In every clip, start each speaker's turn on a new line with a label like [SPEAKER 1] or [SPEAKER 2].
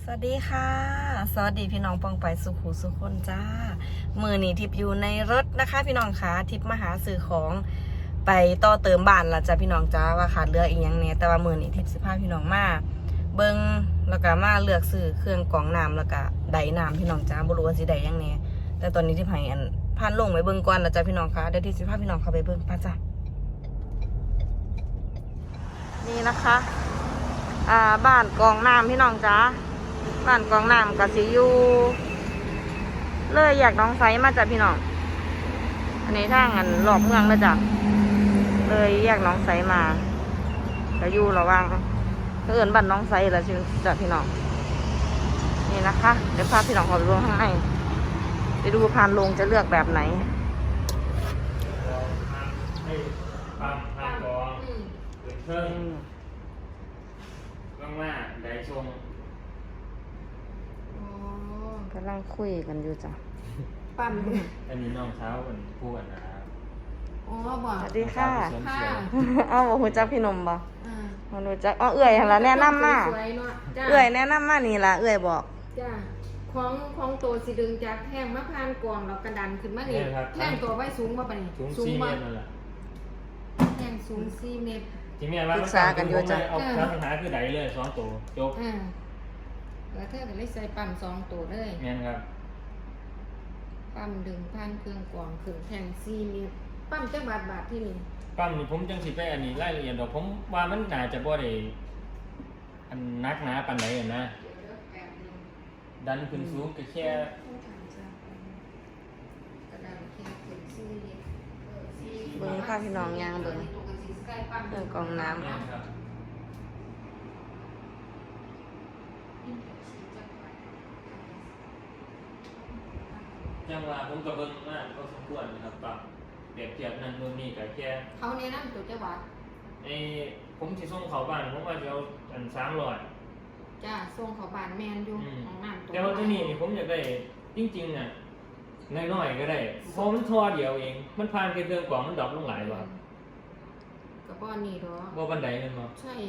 [SPEAKER 1] สวัสดีค่ะสวัสดีพี่น้องปองไปสุขุสุคนจ้ามือนี้ทิพอยู่ในรถนะคะพี่น้องคะทิพมาหาซื้อของไปต่อเติมบ้านละจ้ะพี่น้องจ้าว่าขาดเหลืออีกอย่างเนี่ยแต่ว่ามือนี้ทิพสิพาพี่น้องมาเบิ้งแล้วก็มาเลือกซื้อเครื่องกรองน้ำแล้วก็ไดน้ำพี่น้องจ้าบ่รู้ว่าสิได้ยังเนี่ยแต่ตอนนี้ทิพให้อันผ่านลงไปเบิ้งก่อนละจ้ะพี่น้องคะเดี๋ยวทิพสิพาพี่น้องเข้าไปเบิ้งป้าจ้ะนี่นะคะบ้านกรองน้ำพี่น้องจ้าบ้านกองน้ำกับสิอยู่เลยอยากน้องไซมาจากพี่น้องอันนี้ทางอันหลอกเมืองแล้วจ้ะเลยอยากน้องไซมาจะอยู่ระวังเอื่นบ้านน้องไซแล้วจ้ะพี่น้องนี่นะคะเดี๋ยวพาพี่น้องขอไปดูข้างในไปดูพานลงจะเลือกแบบไหน
[SPEAKER 2] ปั๊มพานกองเพิ่งว่างๆได้ชง
[SPEAKER 1] กำลังคุยกันอยู่จ้ะ
[SPEAKER 3] ปั๊ม
[SPEAKER 2] อันนี้น้องเช้าเป็นผู้กันนะครับ
[SPEAKER 3] อ๋อบอก
[SPEAKER 1] สวัสดีค่ะ
[SPEAKER 3] ค่ะ
[SPEAKER 1] อ้าวบอกหูจักพี่นมบ่มาดูจักอ๋อเอื่อยละแนะนำมาเอื่อยแนะนำมานี่ละเอื่อยบอก
[SPEAKER 3] จ้าของโตสิดึงจากแท่งมะพร้าวกวางเรากระดันขึ้นมานี่แท่งตัวไว้สูงมาปะนี่
[SPEAKER 2] สูง4 เมตรนั่นแหละ
[SPEAKER 3] แท่งสูง4 เมตร
[SPEAKER 2] ที่แม่ว่าปรึกษากันอยู่จ้ะเอาปัญหาคือใดเลย2 ตัวจบ
[SPEAKER 3] แล้วเธอก็เลยใส่ปั๊ม2 ตัวเลย
[SPEAKER 2] แม่นครับ
[SPEAKER 3] ปั๊มดึงผ่านเครื่องกรองขึ้นแท่ง4 เมตรปั๊มจักบาทที่นี่
[SPEAKER 2] ปั๊มนี่ผมจังสิไปอันนี้รายละเอียดดอกผมว่ามันน่าจะบ่ได้อันนักหนาปานใดนะดันขึ้นสูงก็แค่
[SPEAKER 1] เบิ้งพาพี่น้องย่างเบิ้งเครื่องกรองน้ำ
[SPEAKER 2] จังว่าผมก็เบิ่งมากก็สมควรนะครับปรับเปรียบเทียบนั่นนู่นนี่ก็แค่
[SPEAKER 3] เขาแนะนำตัวจักบาท
[SPEAKER 2] ผมสิส่งเขาบ้านผมว่าจะเอาอัน300
[SPEAKER 3] จ้าส่งเขาบ้านแมนอยู่ของน้ำ
[SPEAKER 2] แต่ว่าตัวนี้นี่ผมอยากได้จริงๆน่ะน้อยๆก็ได้เพราะมันทอเดียวเองมันผ่านแค่เครื่องกรองมันดรอปลงหลายบ่
[SPEAKER 3] กระป๋องนี่ดอก
[SPEAKER 2] บ่บันไดแม่นบ่
[SPEAKER 3] ใช่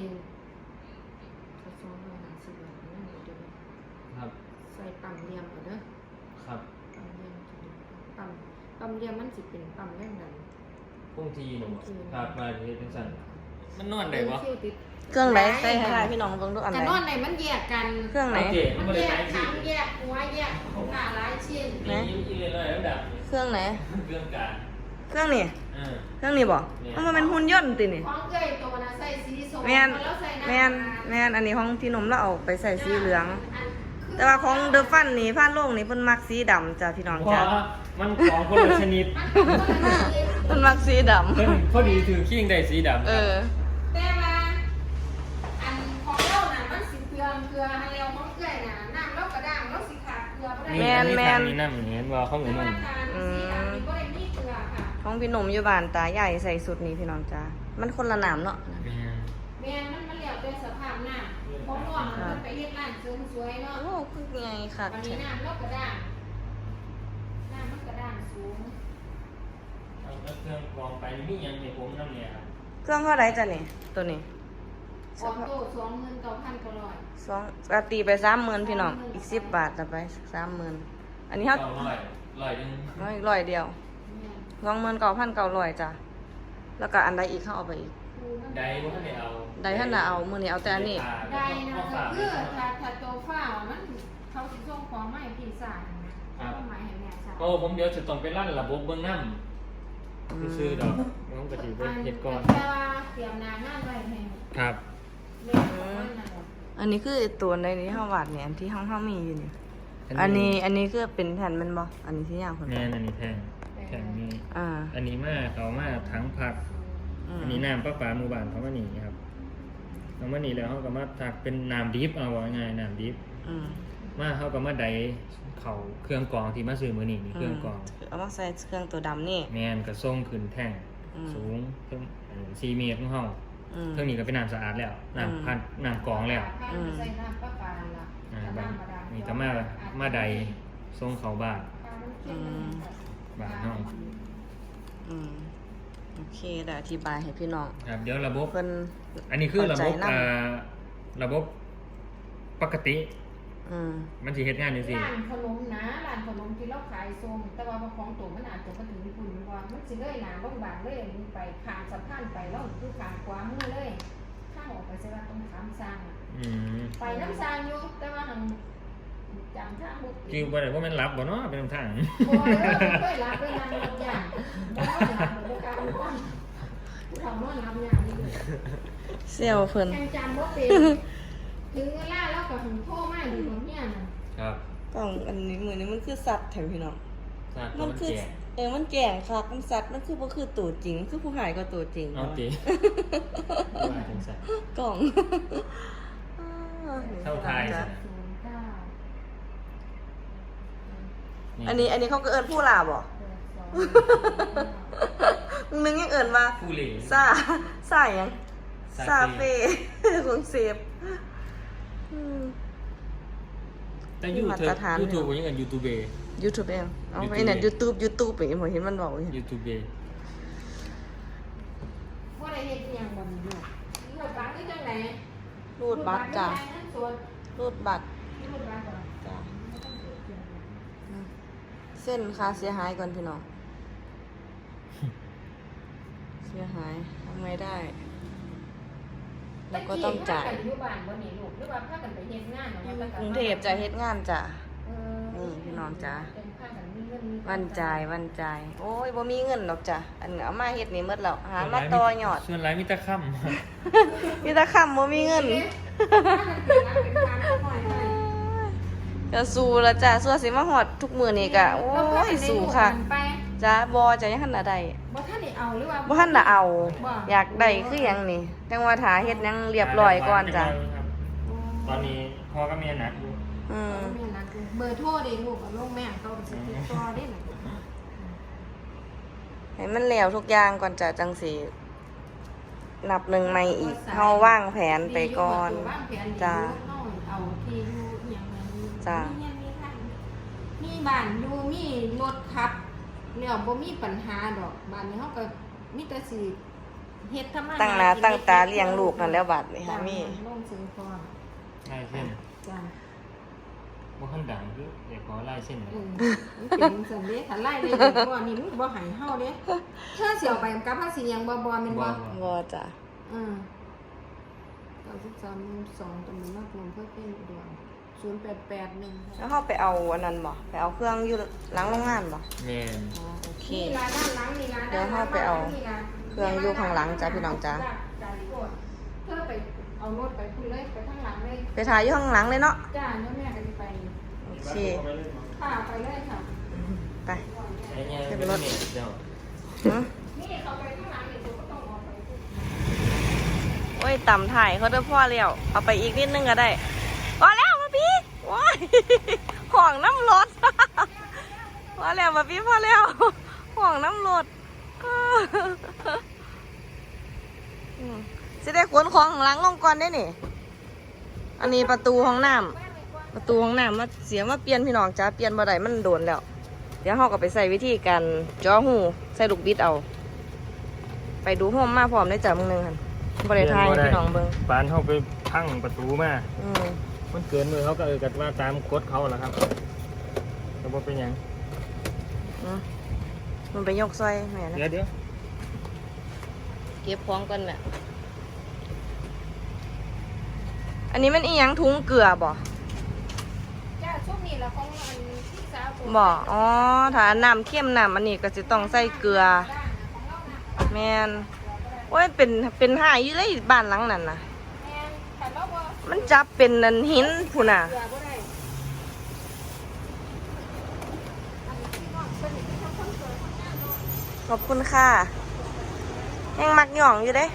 [SPEAKER 3] 250 บาทนั่นเดี๋ยว
[SPEAKER 2] ครับ
[SPEAKER 3] ใส่ปั๊มเลียมก่อนเด้อ
[SPEAKER 2] ครับ
[SPEAKER 3] ปั๊มเลียมมันสิเป็นปั๊มแรงดัน
[SPEAKER 2] คงทีนึงครับมาเฮ็ดจังซั่นมันนอนได้บ่
[SPEAKER 1] เครื่องไหนใส่ให้พี่น้องเบิ่งดูอันไหน
[SPEAKER 3] แต่นอนไหนมันแยกกัน
[SPEAKER 1] เครื่องไหน
[SPEAKER 3] มันแยกทั้งแยกหัวแยกหน้าหลายชิ้น
[SPEAKER 2] นี่เลยแล้วดับ
[SPEAKER 1] เครื่องไหน
[SPEAKER 2] เครื่องกลาง
[SPEAKER 1] เครื่องนี้เครื่องนี้บ่มันเป็นหุ่นยนต์ตินี่
[SPEAKER 3] ของเอ้ยตัวน่ะใส่สีส้ม
[SPEAKER 1] แม่นอันนี้ของพี่นมแล้วเอาไปใส่สีเหลืองแต่ว่าของเดอะฟันนี่ผ้าโล่งนี่เพิ่นมักสีดำจ้ะพี่น้องจ้ะ
[SPEAKER 2] มันของคนละชนิด
[SPEAKER 1] เพิ่นมักสีดำ
[SPEAKER 2] เพิ่นพอดีถือขิ้งได้สีดำ
[SPEAKER 3] แต่ว่าอันของเราน่ะมันสิเกลือให้แล้วของเอ้ยน่ะน้ำเรากระด้างเราสิขาดเกลือบ่ได้
[SPEAKER 2] แม่นมีน้ำเห็นว่าเขาเหมือนนั่น
[SPEAKER 1] ของพี่หนุ่มอยู่บ้านตาใหญ่ใส่สุดนี้พี่น้องจ้ามันคนละน้ำเนาะ
[SPEAKER 3] แม่มันเหลียวเป็นสภาพน้ำของน้องมันไปเฮ็ดร้านเสริมสวยเนาะ
[SPEAKER 1] โอ้คือไงค่ะ
[SPEAKER 3] วันนี้น้ำเรากระด้างน้ำมันกระด้างสูง
[SPEAKER 2] เอาเครื่องกรองไปมียังในผมน้ำเนี่ยครับ
[SPEAKER 1] เครื่องเท่าไหร่จ้ะนี่ตัวนี้
[SPEAKER 3] ออโต้29,900
[SPEAKER 1] 2ตีไป 30,000พี่น้องอีก10 บาทต่อไป 30,000อันนี้เฮา
[SPEAKER 2] 100นึง
[SPEAKER 1] อีก100เดียว29,900จ้ะแล้วก็อันใดอีกเฮาเอาไปอีก
[SPEAKER 2] ใดบ่ทันได้เอา
[SPEAKER 1] ใดท่านน่ะเอามื้อนี้เอาแต่อันนี้
[SPEAKER 3] ใดนะคือถ้าโตฟ้ามันเขาสิส่งของมาให้พี่สาวนะต้องหมายให้แม่สาว
[SPEAKER 2] ผมเดี๋ยวจะต้องไปลั่นระบบเบิ่งน้ำซื้อดอกน้องก็สิไปเฮ็ดก่อน
[SPEAKER 3] แต่ว่าเตรียมนางานไว้ให้
[SPEAKER 2] ครับ
[SPEAKER 1] อันนี้คือตัวในนี้เฮาวาดเนี่ยอันที่เฮามีอยู่นี่อันนี้คือเป็นแผ่นมันบ่อันนี้ที่ยาวเพิ่น
[SPEAKER 2] แม่นอันนี้แทงนี่อันนี้มาเอามาทั้งผักอันนี้น้ำประปาหมู่บ้านเขามานี่ครับเอามานี่แล้วเขาก็มาถักเป็นน้ำดิบเอาว่าง่ายน้ำดิบมาเขาก็มาไดเขาเครื่องกรองที่มาซื้อมื้อนี้เครื่องกรอง
[SPEAKER 1] เอามาใส่เครื่องตัวดำนี่
[SPEAKER 2] แม่นก็ส่งขึ้นแท่งสูงถึง4 เมตรของเฮาเครื่องนี้ก็เป็นน้ำสะอาดแล้วน้ำกรองแล้ว
[SPEAKER 3] ใส่น้ำประปาล่ะ
[SPEAKER 2] นี่ก็มาไดส่งเข้าบ้านเฮา
[SPEAKER 1] โอเคได้อธิบายให้พี่น้อง
[SPEAKER 2] ครับเดี๋ยวระบบ
[SPEAKER 1] เพิ่น
[SPEAKER 2] อันนี้คือระบบปกติมันสิเฮ็ดงานจังซี่
[SPEAKER 3] ร้านขนมนะร้านขนมที่เราขายส้มแต่ว่าของตัวมันอาจจะมาถึงคุณว่ามันสิเลยหนาบ้างๆเลยไปข้ามสะพานไปแล้วคือข้ามขวามือเลยข้างออกไปใช่ว่าต้องข้ามสร้างไปน้ำสร้างอยู่แต่ว่าทางจำทางบุก
[SPEAKER 2] คิวบ่ได้ว่ามันรับบ่เนาะเป็นทาง
[SPEAKER 3] บ่ได้รับไปนั่งรถอย่างบ่ได้รับโดยการป้อนผู้ทำนอนรับอย่างนี้
[SPEAKER 1] เซี่ยวเพิ่น
[SPEAKER 3] จำว่าเป็นถึงเวลาแล้วก็ถึงโทรมาดูตรงเนี้ยนะครับ
[SPEAKER 1] กล่องอันนี้มือนี้มันคือสัตว์แถวพี่น้อง
[SPEAKER 2] มันคือ
[SPEAKER 1] มันแก่งคักมันสัตว์มันคือบ่คือตัวจริงคือผู้หายก็ตัวจริง
[SPEAKER 2] เอาติว่าจังซั่น
[SPEAKER 1] กล่อง
[SPEAKER 2] เข้าทายซะ
[SPEAKER 3] 09
[SPEAKER 1] อันนี้เขาก็เอิ้นผู้ลาบ่มึงยังเอิ้นว่า
[SPEAKER 2] ผู้เหล่
[SPEAKER 1] ซาหยังซาเฟ่ของเซฟ
[SPEAKER 2] แต่ YouTube บ่ยังกัน YouTube
[SPEAKER 1] YouTube เองเอาไอ้นั่น YouTube อย่างนี้ผมเห็นมันบอกอยู่
[SPEAKER 2] YouTube
[SPEAKER 3] ว่าได้เฮ็ดอย่างบ่นี่ลูกรูดบัตรคือจังได๋
[SPEAKER 1] รูดบัตรจ้ะรูดบัตร
[SPEAKER 3] รูดบัตรก่อน
[SPEAKER 1] จ้ะเส้นค่าเสียหายก่อนพี่น้อง เสียหายทำไงได้ แล้วก็ต้องจ่าย
[SPEAKER 3] อยู่บ้านบ่นี่ลูกหรือว่าพากันไปเฮ็ดงานเนาะ
[SPEAKER 1] กรุงเทพจะเฮ็ดงานจ้ะ นี่พี่น้องจ้ะ วันจ่ายโอ้ยบ่มีเงินดอกจ้ะอันเอามาเฮ็ดนี่หมดแล้วหามาต่อยอด
[SPEAKER 2] ส่วนหลายมีแต่ค่ำ
[SPEAKER 1] มีแต่คำบ่มีเงินก็สู้ละจ้ะสู้สิมาฮอดทุกมื้อนี่ก็โอ้ยสู้ค่ะจ้ะบ่จะยังทันน่ะได้
[SPEAKER 3] บ่ทันได้เอาหรือว่า
[SPEAKER 1] บ่ทันน่ะเอา อยากได้คือหยังนี่จังว่าถ้าเฮ็ดหยังเรียบร้อยก่อนจ้ะ
[SPEAKER 2] ตอนนี้พ่อก็มีหนักอยู่
[SPEAKER 3] เบอร์โทรเด้ลูกกับลูกแม่เขาสิติดต่อได้น่ะ
[SPEAKER 1] ให้มันแล้วทุกอย่างก่อนจ้ะจังสินับหนึ่งใหม่อีกเฮาวางแผนไปก่อนจ้ะ
[SPEAKER 3] เอาที่อยู่อย่างนั้น
[SPEAKER 1] จ้ะ
[SPEAKER 3] มีบ้านอยู่มีรถขับแล้วบ่มีปัญหาดอกบ้านนี้เฮาก็มีแต่สิเฮ็ดทำมา
[SPEAKER 1] ตั้งหน้าตั้งตาเลี้ยงลูกนั่นแล้วบัดนี้ค่ะมี
[SPEAKER 3] ลงซื้อก่อน
[SPEAKER 2] ลายเส้น
[SPEAKER 3] จ้ะ
[SPEAKER 2] บ่คันดังคือเดี๋ยวขอลายเส้นหน่อย
[SPEAKER 3] มันเป็นสันเด้ถ้าไล่เลยบ่นี่มันบ่ให้เฮาเด้เธอสิเอาไปกับภาษีหยังบ่แม่นบ่
[SPEAKER 1] บ่จ้ะ
[SPEAKER 3] 93 2ตำบลนาโพนเพื่อเป็นอุดร0881
[SPEAKER 1] แล้วเฮาไปเอาอันนั้นบ่ไปเอาเครื่องอยู่หลังโรงงานบ่
[SPEAKER 2] แม่น
[SPEAKER 1] อ๋อโอเค
[SPEAKER 3] นี่ร้านด้านหลังนี่ร้าน
[SPEAKER 1] เดี๋ยวเฮาไปเอาเครื่องอยู่ข้างหลังจ้ะพี่น้องจ้ะ
[SPEAKER 3] เธอไปเอารถไปคุยเลยไปข้างหลังเลย
[SPEAKER 1] ไปถ่ายอยู่ข้างหลังเลยเนาะ
[SPEAKER 3] จ้าเดี๋ยวแม่ก็สิไป
[SPEAKER 1] โอเค
[SPEAKER 3] ค่ะไปเลยค่ะ
[SPEAKER 1] ไป
[SPEAKER 2] ไอ้เนี่ยเป็นรถเดี๋ยว
[SPEAKER 1] หึ
[SPEAKER 3] นี่เขาไปข้างหลังนี่ตัวก็ต้องออกไป
[SPEAKER 1] โอ้ยต่ำถ่ายเขาเด้อพ่อแล้วเอาไปอีกนิดนึงก็ได้พอแล้วมาพี่ว้ายห่วงน้ำรถ พอแล้วมาพี่พอแล้วห่วงน้ำรถ สิได้ขนของข้างหลังลงก่อนได้นี่ อันนี้ประตูห้องน้ำประตูห้องน้ำมาเสียมาเปลี่ยนพี่น้องจ้าเปลี่ยนบ่ได้มันโดนแล้ว เดี๋ยวเราก็ไปใส่วิธีการจ่อหูใส่ลูกบิดเอา ไปดูห้องมาพร้อมได้จ้ะมึงนึงค่ะบริทายพี่น้องเบิ่ง
[SPEAKER 2] ปานเขาไปพังประตูมา
[SPEAKER 1] อืม
[SPEAKER 2] มันเกินมือเขาก็กันว่าตามกฎเขาแหละครับแต่ว่าเป็นหยัง
[SPEAKER 1] มันไปยกซอยแม่นะ
[SPEAKER 2] เดี๋ยว
[SPEAKER 1] เก็บของก่อนแม่อันนี้มันอีหยังถุงเกลือบ่
[SPEAKER 3] จ้าช่วงนี้เราของอันที่สาว
[SPEAKER 1] บ่อ๋อถ้าน้ำเข้มน้ำอันนี้ก็จะต้องใส่เกลือ แม่นโอ้ยเป็นหายอยู่เลยบ้านหลังนั้นน่ะ มันจับเป็นนันหินพุ่นน่ะ ขอบคุณค่ะยังมักหย่องอยู่เด้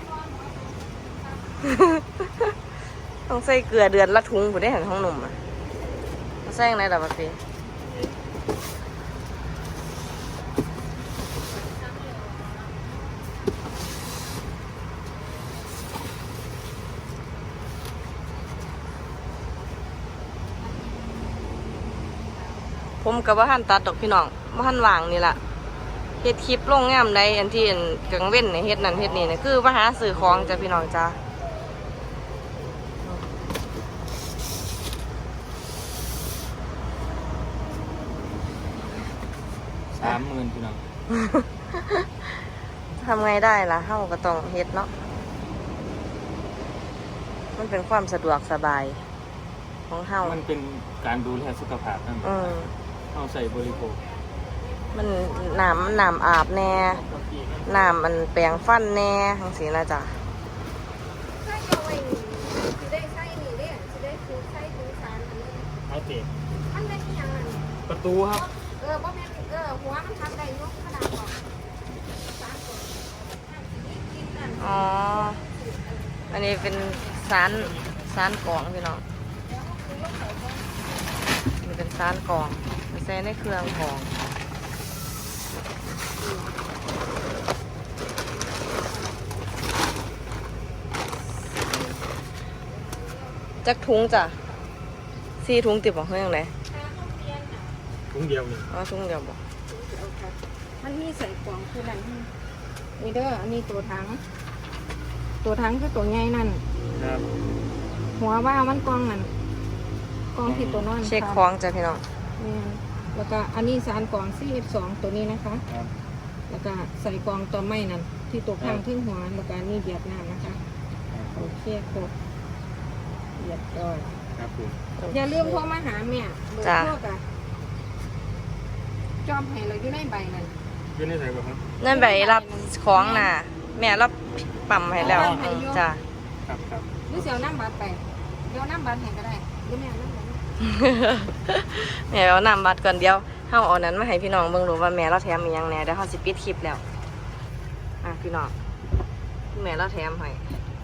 [SPEAKER 1] ต้องใส่เกลือเดือนละถุงผู้ได้เห็นห้องหนุ่มอ่ะใส่ยังไงล่ะปะพี่ผมกับว่าท่านตัดดอกพี่น้องว่าท่านวางนี่แหละเฮ็ดคลิปลงงามใดอันที่กังเว้นเนี่ยเฮ็ดนั่นเฮ็ดนี่เนี่ยคือมาหาซื้อของจ้ะพี่น้องจ้า
[SPEAKER 2] 30,000พี่น้อง
[SPEAKER 1] ทำไงได้ล่ะเฮาก็ต้องเฮ็ดเนาะมันเป็นความสะดวกสบายของเฮา
[SPEAKER 2] มันเป็นการดูแลสุขภาพนั่น เฮาใส่บริโภค
[SPEAKER 1] มันน้ำอาบแน่น้ำมันแปรงฟันแน่จังซี่นะจ๊ะ
[SPEAKER 3] ใส่เอาไว้นี่สิได้ใส่นี่เด้สิได้คือใส่คือสารอันนี้
[SPEAKER 2] เอาเตะ
[SPEAKER 3] มันเป็นอีหยังนั่น
[SPEAKER 2] ประตูครับ
[SPEAKER 3] บ่แม่นหัวมันทำได้ยกขนาดก่อนสารก่อนกินนั่น
[SPEAKER 1] อ๋อ อันนี้เป็นสารกรองพี่น้องมันเป็นสารกรองไม่ใส่ในเครื่องกรองจักถุงจ้ะ4 ถุงติดบ่เฮ้ยยังไง
[SPEAKER 2] ถุงเดียวนี่
[SPEAKER 1] อ๋อถุงเดียวบ่
[SPEAKER 3] มันมีใส่กล่องคือนั่นนี่เด้ออันนี้ตัวถังคือตัวใหญ่นั่น
[SPEAKER 2] ครับ
[SPEAKER 3] หัวว่ามันกล่องนั่นกล่องที่ตัวนอน
[SPEAKER 1] เช็คของจ้ะพี่น้อง
[SPEAKER 3] เนี่ยแล้วก็อันนี้สารกล่อง CF2 ตัวนี้นะคะ
[SPEAKER 2] ครับ
[SPEAKER 3] แล้วก็ใส่กล่องตัวไม้นั่นที่ตัวข้างทึ่งหัวแล้วก็นี่เบียดน้ำนะคะโอเคครบเบียดก่อน
[SPEAKER 2] ครับผม
[SPEAKER 3] อย่าลืมโทรมาหาแม่เบอร์
[SPEAKER 1] จ้ะ
[SPEAKER 3] โทรกะจอมให้เราอยู่ในใบนั่น
[SPEAKER 2] อยู่ในใส่บ่ครับ
[SPEAKER 1] นั่นใบรับของน่ะ แม่รับปั๊มให้แล้ว
[SPEAKER 3] ปั๊มให้อยู่
[SPEAKER 1] จ้ะ
[SPEAKER 2] ครับครับ
[SPEAKER 3] หรือเสียวน้ำบัตรไปเดี๋ยวน้ำบัตรให้ก็ได้หรือแม่เอาน้ำบัตร
[SPEAKER 1] แม่เอานำบัตรก่อนเดียวเฮาเอานั้นมาให้พี่น้องเบิ่งดูว่าแม่เราแถมอีหยังแหน่เดี๋ยวเฮาสิปิดคลิปแล้วพี่น้องแม่เราแถมให้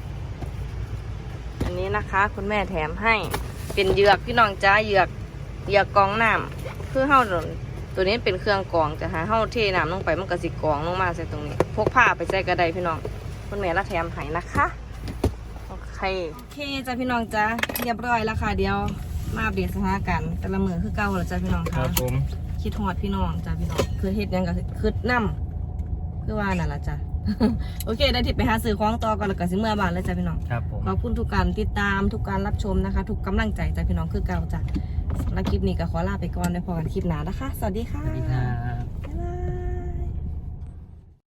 [SPEAKER 1] อันนี้นะคะ คุณแม่แถมให้เป็นเหยือกพี่น้องจ้าเหยือกกรองน้ำคือเฮาตัวนี้เป็นเครื่องกรองจะหาเฮาเทน้ำลงไปมันก็สิกรองลงมาใส่ตรงนี้พกผ้าไปใส่กระไดพี่น้องคุณแม่เราแถมให้นะคะโอเคจ้าพี่น้องจ้าเรียบร้อยแล้วค่ะเดี๋ยวมาอัปเดตสถานการณ์แต่ละมือคือเก่าแล้วจ้าพี่น้อง
[SPEAKER 2] ค
[SPEAKER 1] ค่ะ
[SPEAKER 2] รับผม
[SPEAKER 1] คิดฮอดพี่น้องจ้าพี่น้องคือเฮ็ดหยังก็คือน้ำคือว่านั่นล่ะจ้ะ โอเคได้ทิปไปหาซื้อของต่อก่อนแล้วก็สิเมื่อบานเลยจ้าพี่น้อง
[SPEAKER 2] ครับผม
[SPEAKER 1] ขอบคุณทุกการติดตามทุกการรับชมนะคะ ทุกกำลังใจจ้าพี่น้องคือเก่าจ้ะและคลิปนี้ก็ขอลาไปก่อนไว้พอกันคลิปหน้านะคะ สวัสดีค่ะ
[SPEAKER 2] สวัสดีครับ
[SPEAKER 1] บ๊ายบาย